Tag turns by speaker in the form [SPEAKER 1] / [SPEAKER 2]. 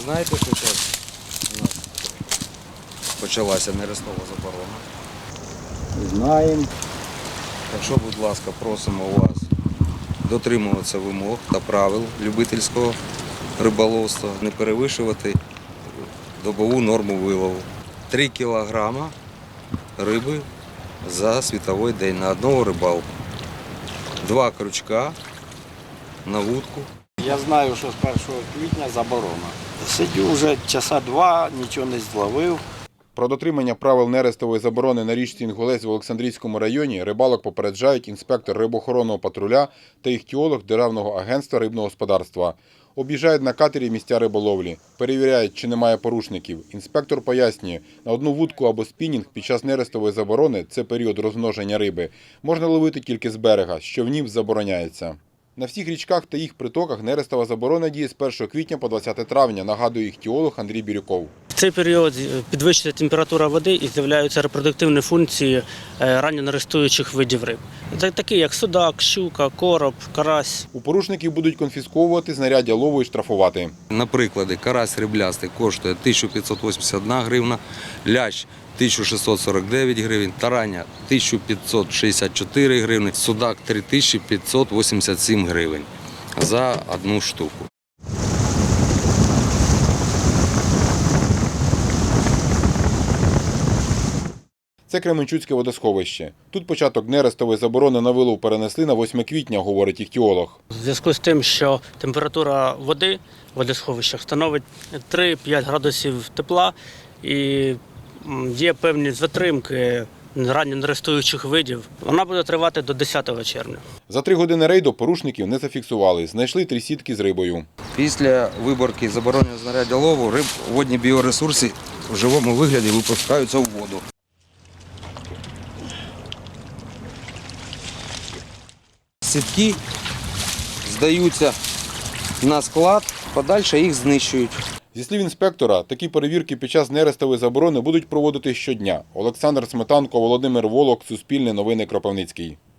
[SPEAKER 1] знаєте, що зараз у нас почалася нерестова заборона?
[SPEAKER 2] Знаємо.
[SPEAKER 1] Так що, будь ласка, просимо вас дотримуватися вимог та правил любительського риболовства, не перевищувати добову норму вилову. 3 кілограма риби за світовий день на одного рибалку. 2 крючка на вудку.
[SPEAKER 2] Я знаю, що з 1 квітня заборона. Сидю вже часа 2, нічого не зловив.
[SPEAKER 3] Про дотримання правил нерестової заборони на річці Інгулець в Олександрійському районі рибалок попереджають інспектор рибоохоронного патруля та іхтіолог Державного агентства рибного господарства. Об'їжджають на катері місця риболовлі, перевіряють, чи немає порушників. Інспектор пояснює, на одну вудку або спінінг під час нерестової заборони – це період розмноження риби. Можна ловити тільки з берега, що в нім забороняється. На всіх річках та їх притоках нерестова заборона діє з 1 квітня по 20 травня, нагадує іхтіолог Андрій Бірюков.
[SPEAKER 4] В цей період підвищується температура води і з'являються репродуктивні функції ранньонерестуючих видів риб. Такі як судак, щука, короб, карась.
[SPEAKER 3] У порушників будуть конфісковувати знаряддя лову і штрафувати.
[SPEAKER 1] Наприклад, карась риблястий коштує 1581 гривна, лящ 1649 гривень, тараня 1564 гривні, судак 3587 гривень за одну штуку.
[SPEAKER 3] Це Кременчуцьке водосховище. Тут початок нерестової заборони на вилов перенесли на 8 квітня, говорить іхтіолог.
[SPEAKER 4] В зв'язку з тим, що температура води в водосховищах становить 3-5 градусів тепла і є певні затримки ранньонерестуючих видів, вона буде тривати до 10 червня.
[SPEAKER 3] За 3 години рейду порушників не зафіксували. Знайшли 3 сітки з рибою.
[SPEAKER 1] Після виборки забороненого знаряддя лову водні біоресурси в живому вигляді випускаються в воду. Сітки здаються на склад, подальше їх знищують.
[SPEAKER 3] Зі слів інспектора, такі перевірки під час нерестової заборони будуть проводити щодня. Олександр Сметанко, Володимир Волок, Суспільне новини, Кропивницький.